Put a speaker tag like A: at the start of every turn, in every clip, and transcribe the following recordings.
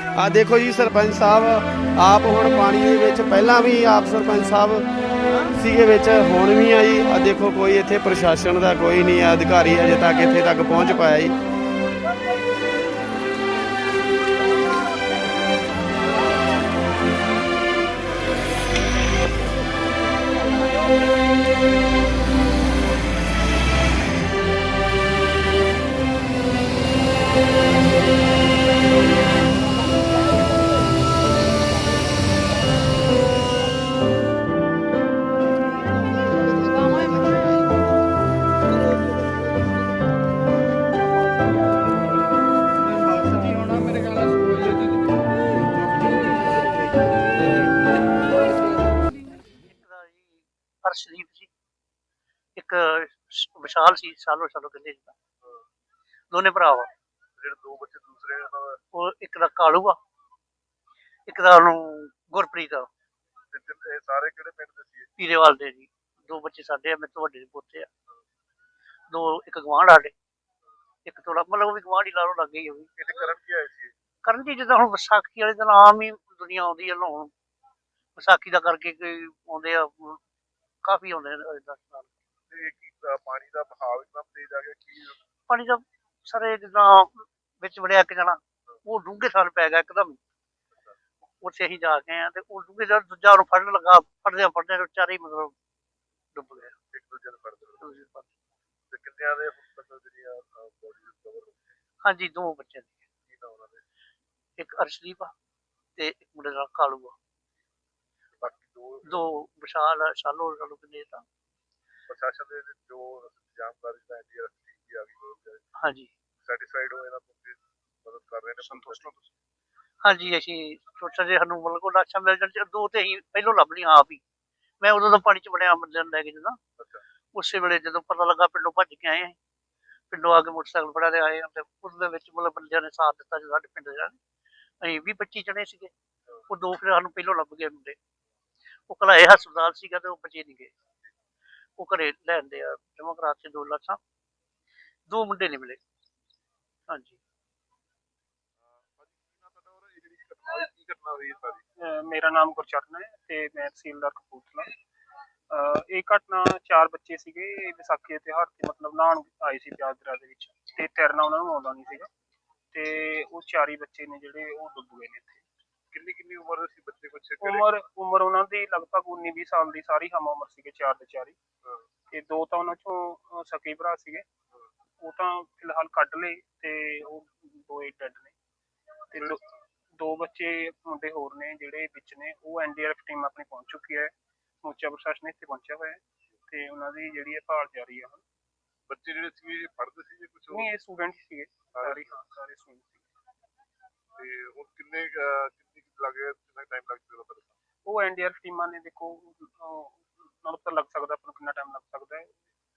A: ਆ ਦੇਖੋ ਜੀ ਸਰਪੰਚ ਸਾਹਿਬ ਆਪ ਹੁਣ ਪਾਣੀ ਦੇ ਵਿੱਚ ਪਹਿਲਾਂ ਵੀ ਆਪ ਸਰਪੰਚ ਸਾਹਿਬ ਸੀਗੇ ਵਿੱਚ ਹੁਣ ਵੀ ਆ ਜੀ। ਆ ਦੇਖੋ ਕੋਈ ਇੱਥੇ ਪ੍ਰਸ਼ਾਸਨ ਦਾ ਕੋਈ ਨਹੀਂ ਆ ਅਧਿਕਾਰੀ ਅਜੇ ਤੱਕ ਇੱਥੇ ਤੱਕ ਪਹੁੰਚ ਪਾਇਆ ਜੀ।
B: ਹਰਸ਼ਦੀਪ ਜੀ ਇੱਕ ਵਿਸ਼ਾਲ ਸੀ ਸਾਲੋ ਕਹਿੰਦੇ ਜੀ ਦੋਨੇ ਭਰਾ ਵਾ।
C: ਜਿਹੜੇ ਦੋ ਬੱਚੇ ਦੂਸਰੇ
B: ਉਹ ਇੱਕ ਦਾ ਕਾਲੂ ਆ ਇੱਕ ਦਾ ਉਹਨੂੰ ਗੁਰਪ੍ਰੀਤ ਆ।
C: ਇਹ ਸਾਰੇ ਕਿਹੜੇ ਪਿੰਡ ਦੇ ਸੀ?
B: ਪੀਰੇਵਾਲ ਦੇ ਜੀ। ਦੋ ਬੱਚੇ ਸਾਡੇ ਆ, ਮੇਰੇ ਤੋਂ ਵੱਡੇ ਦੇ ਪੋਤੇ ਆ। ਦੋ ਇੱਕ ਗਵਾਂਢ ਸਾਡੇ ਇੱਕ ਥੋੜਾ ਮਤਲਬ ਉਹ ਵੀ ਗਵਾਂਢ ਹੀ ਲਾ ਲਓ ਲੱਗ ਗਈ। ਉਹ ਵੀ
C: ਇੱਥੇ ਕਰਨ ਕੀ ਆਏ ਸੀ?
B: ਕਰਨ ਜੀ ਜਿੱਦਾਂ ਹੁਣ ਵਿਸਾਖੀ ਵਾਲੇ ਦਿਨ ਆਮ ਹੀ ਦੁਨੀਆ ਆਉਂਦੀ ਹੈ ਨਹਾਉਣ। ਵਿਸਾਖੀ ਦਾ ਕਰਕੇ ਕੋਈ ਆਉਂਦੇ ਆ ਕਾਫੀ ਆਉਂਦੇ ਨੇ 10 ਸਾਲ।
C: ਪਾਣੀ ਦਾ ਬਹਾਵ ਇਤਨਾ ਤੇਜ਼ ਆ ਗਿਆ ਕਿ
B: ਪਾਣੀ ਦਾ ਸਾਰੇ ਜਿੱਦਾਂ ਵਿੱਚ ਵੜਿਆ ਇੱਕ ਜਾਣਾ ਉਹ ਡੂੰਘੇ ਸਾਲ ਪੈ ਗਿਆ ਇੱਕਦਮ। ਉੱਥੇ ਅਸੀਂ ਜਾ ਕੇ ਆ ਤੇ ਉਹ ਡੂੰਘੇ ਸਾਲ ਦੂਜਾ ਉਹਨੂੰ ਫੜਨ ਲੱਗਾ ਫੜਦੇ ਚਾਰੇ ਹੀ ਮਤਲਬ ਡੁੱਬ ਗਏ
C: ਇੱਕ ਦੂਜੇ ਨੂੰ ਫੜਦੇ। ਤੇ ਕਿੰਨਿਆਂ ਦੇ ਜਿਹੜੀਆਂ ਬੋਡੀ ਰਿਕਵਰ?
B: ਹਾਂਜੀ ਦੋ ਬੱਚੇ ਨੇ। ਇੱਕ ਅਰਸ਼ਦੀਪ ਆ ਤੇ ਇੱਕ ਮੁੰਡੇ ਦਾ ਕਾਲੂ ਆ।
C: ਬਾਕੀ
B: ਦੋ ਵਿਸ਼ਾਲ ਸਾਲੋ ਕਿੰਨੇ ਤਾਂ
C: ਪ੍ਰਸ਼ਾਸਨ ਦੇ ਜੋ ਜਾਣਕਾਰੀ ਦਾ ਐਨਡੀਆਰਐਫ ਆ ਗਈ।
B: ਹਾਂਜੀ
C: ਸੈਟੀਸਫਾਈਡ ਹੋ ਇਹਨਾਂ ਤੋਂ ਮਦਦ ਕਰ ਰਹੇ ਨੇ? ਸੰਤੁਸ਼ਟ ਹੋ ਤੁਸੀਂ?
B: ਹਾਂਜੀ ਅਸੀਂ ਸੋਚਿਆ ਜੇ ਸਾਨੂੰ ਮਤਲਬ ਕੋਈ ਲਾਸ਼ਾਂ ਮਿਲ ਜਾਣ ਦੋ ਤੇ ਅਸੀਂ ਪਹਿਲੋਂ ਲੱਭ ਲਈਆਂ ਆਪ ਹੀ। ਮੈਂ ਉਦੋਂ ਦਾ ਪਾਣੀ ਚ ਵੜਿਆ ਬੰਦੇ ਨੂੰ ਲੈ ਕੇ ਜਦੋਂ ਉਸੇ ਵੇਲੇ ਜਦੋਂ ਪਤਾ ਲੱਗਾ ਪਿੰਡੋਂ ਭੱਜ ਕੇ ਆਏ। ਪਿੰਡੋਂ ਆ ਕੇ ਮੋਟਰਸਾਈਕਲ ਫੜਿਆ ਤੇ ਆਏ ਤੇ ਉਸ ਦੇ ਵਿੱਚ ਮਤਲਬ ਬੰਦਿਆਂ ਨੇ ਸਾਥ ਦਿੱਤਾ ਸਾਡੇ ਪਿੰਡ ਦੇ। ਅਸੀਂ 20-25 ਜਣੇ ਸੀਗੇ। ਉਹ ਦੋ ਫਿਰ ਸਾਨੂੰ ਪਹਿਲੋਂ ਲੱਭ ਗਏ ਮੁੰਡੇ। ਉਹ ਘਲਾਏ ਹਸਪਤਾਲ ਸੀਗਾ ਤੇ ਉਹ ਬਚੇ ਨਹੀਂ ਗਏ। ਉਹ ਘਰੇ ਲੈਂਦੇ ਆ ਜਮ੍ਹਾਂ ਕਰਾ ਕੇ 2 ਲਾਸ਼ਾਂ। ਦੋ ਮੁੰਡੇ ਨਹੀਂ ਮਿਲੇ। ਹਾਂਜੀ
D: ਮੇਰਾ ਨਾਮ ਗੁਰਚਰਨ ਹੈ ਤੇ ਮੈਂ ਤਹਿਸੀਲਦਾਰ ਕਪੂਰਥਲਾ। ਇਹ ਘਟਨਾ 4 ਬੱਚੇ ਸੀਗੇ ਵਿਸਾਖੀ ਦੇ ਤਿਉਹਾਰ ਤੇ ਮਤਲਬ ਨਹਾਉਣ ਆਏ ਸੀ ਪਿਆਜ਼ ਦਰਿਆ ਦੇ ਵਿੱਚ ਤੇ ਤੈਰਨਾ ਉਹਨਾਂ ਨੂੰ ਆਉਂਦਾ ਨਹੀਂ ਸੀਗਾ ਤੇ ਉਹ 4 ਹੀ ਬੱਚੇ ਨੇ ਜਿਹੜੇ ਉਹ ਡੁੱਬ ਗਏ ਨੇ। ਇੱਥੇ
C: ਕਿੰਨੀ ਉਮਰ ਸੀ ਬੱਚੇ? ਕੁਛ
D: ਉਮਰ ਉਹਨਾਂ ਦੀ ਲਗਭਗ 19-20 ਸਾਲ ਦੀ ਸਾਰੀ ਹਮ ਉਮਰ ਸੀਗੇ 4 ਦੇ 4 ਹੀ। ਤੇ ਦੋ ਤਾਂ ਉਹਨਾਂ ਚੋਂ ਸਕੇ ਭਰਾ ਸੀਗੇ। ਉਹ ਤਾਂ ਫਿਲਹਾਲ ਕੱਢ ਲਏ ਤੇ ਉਹ ਦੋ ਹੀ ਡੈਡ ਨੇ। ਤੇ ਦੋ ਬੱਚੇ ਮੁੰਡੇ ਹੋਰ ਨੇ ਜਿਹੜੇ ਵਿੱਚ ਨੇ ਉਹ ਐਨਡੀਆਰਐਫ ਟੀਮ ਆਪਣੀ ਪਹੁੰਚ ਚੁੱਕੀ ਹੈ। ਸਮੁੱਚਾ ਪ੍ਰਸ਼ਾਸਨ ਇੱਥੇ ਪਹੁੰਚਿਆ ਹੋਇਆ ਹੈ ਤੇ ਉਹਨਾਂ ਦੀ ਜਿਹੜੀ ਹੈ ਭਾਲ ਜਾਰੀ ਹੈ। ਹੁਣ
C: ਬੱਚੇ ਜਿਹੜੇ ਸੀ ਪੜ੍ਹਦੇ ਸੀ ਕੁਝ?
D: ਨਹੀਂ ਇਹ ਸਟੂਡੈਂਟ ਸੀਗੇ ਸਾਰੇ ਸਟੂਡੈਂਟ ਸੀ।
C: ਤੇ ਉਹ ਕਿੰਨੇ ਲੱਗੇ ਕਿੰਨਾ ਟਾਈਮ ਲੱਗ ਜਾਊਗਾ?
D: ਉਹ ਐਨਡੀਆਰਐਫ ਟੀਮਾਂ ਨੇ ਦੇਖੋ ਨਾਲ ਪਤਾ ਲੱਗ ਸਕਦਾ ਆਪਾਂ ਨੂੰ ਕਿੰਨਾ ਟਾਈਮ ਲੱਗ ਸਕਦਾ ਹੈ।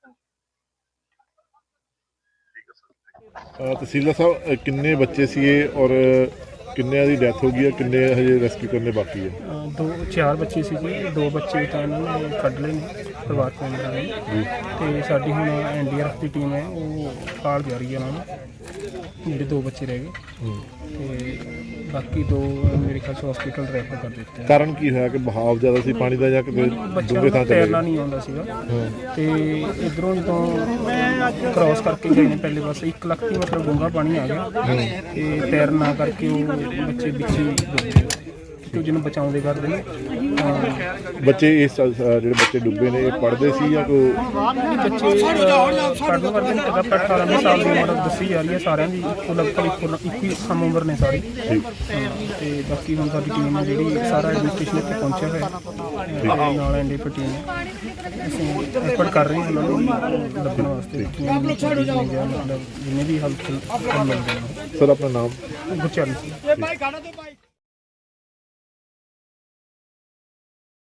C: ਤਹਿਸੀਲਦਾਰ ਸਾਹਿਬ ਕਿੰਨੇ ਬੱਚੇ ਸੀਗੇ ਔਰ ਕਿੰਨਿਆਂ ਦੀ ਡੈਥ ਹੋ ਗਈ ਹੈ? ਕਿੰਨੇ ਹਜੇ ਰੈਸਕਿਊ ਕਰਨੇ ਬਾਕੀ ਹੈ?
D: 4 ਬੱਚੇ ਸੀਗੇ। 2 ਬੱਚੇ ਤਾਂ ਇਹਨਾਂ ਨੇ ਕੱਢ ਲਏ ਨੇ ਪਰਿਵਾਰਕ ਮੈਂਬਰਾਂ ਨੇ ਤੇ ਸਾਡੀ ਹੁਣ ਐਨਡੀਆਰਐਫ ਦੀ ਟੀਮ ਹੈ ਉਹ ਭਾਲ ਜਾਰੀ ਹੈ ਉਹਨਾਂ ਨੂੰ। ਜਿਹੜੇ 2 ਬੱਚੇ ਰਹਿ ਗਏ ਤੇ ਬਾਕੀ 2 ਮੇਰੇ ਖਿਆਲ 'ਚ ਹਸਪੀਟਲ ਰੈਫਰ ਕਰ ਦਿੱਤੇ।
C: ਕਾਰਨ ਕੀ ਹੋਇਆ ਕਿ ਬਹਾਵ ਜ਼ਿਆਦਾ ਸੀ ਪਾਣੀ ਦਾ ਜਾਂ ਕਿਤੇ ਡੂੰਘੇ ਥਾਂ ਤੇ
D: ਤੈਰਨਾ ਨਹੀਂ ਆਉਂਦਾ ਸੀਗਾ ਤੇ ਇਧਰੋਂ ਜਦੋਂ ਕ੍ਰਾਸ ਕਰਕੇ ਗਏ ਨੇ ਪਹਿਲੇ ਪਾਸੇ 1 ਲੱਖ ਦੀ ਮਤਲਬ ਡੂੰਘਾ ਪਾਣੀ ਆ ਗਿਆ ਤੇ ਤੈਰਨਾ ਕਰਕੇ ਉਹ ਬੱਚੇ ਵਿੱਚ ਹੀ ਡੁੱਬ ਗਏ ਤੇ ਜਿਹਨੂੰ ਬਚਾਉਂਦੇ ਕਰਦੇ ਨੇ।
C: ਬੱਚੇ ਇਸ ਜਿਹੜੇ ਬੱਚੇ ਡੁੱਬੇ ਨੇ ਇਹ ਪੜ੍ਹਦੇ ਸੀ ਜਾਂ ਕੋਈ
D: ਬੱਚੇ ਪੜ੍ਹਨ ਕਰਦੇ ਨੇ? ਲਗਭਗ 18 ਸਾਲ ਦੀ ਉਮਰ ਦੱਸੀ ਜਾ ਰਹੀ ਹੈ ਸਾਰਿਆਂ ਦੀ। ਲਗਭਗ ਇੱਕੋ ਹੀ ਸਮ ਉਮਰ ਨੇ ਸਾਰੀ। ਤੇ ਬਾਕੀ ਹੁਣ ਸਾਡੀ ਟੀਮ ਹੈ ਜਿਹੜੀ ਸਾਰਾ ਐਡਮਿਨਿਸਟ੍ਰੇਸ਼ਨ ਇੱਥੇ ਪਹੁੰਚਿਆ ਹੋਇਆ ਨਾਲ ਐਨਡੀਆਰਐਫ ਟੀਮ ਹੈ। ਅਸੀਂ ਐਫਰਟ ਕਰ ਰਹੇ ਹਾਂ ਉਹਨਾਂ ਨੂੰ ਲੱਭਣ ਵਾਸਤੇ ਜਿੰਨੇ ਵੀ ਹੈਲਪ ਮਿਲਦੇ ਨੇ।
C: ਸਰ ਆਪਣਾ ਨਾਮ?
D: ਗੁਰਚਰਨ ਸਿੰਘ।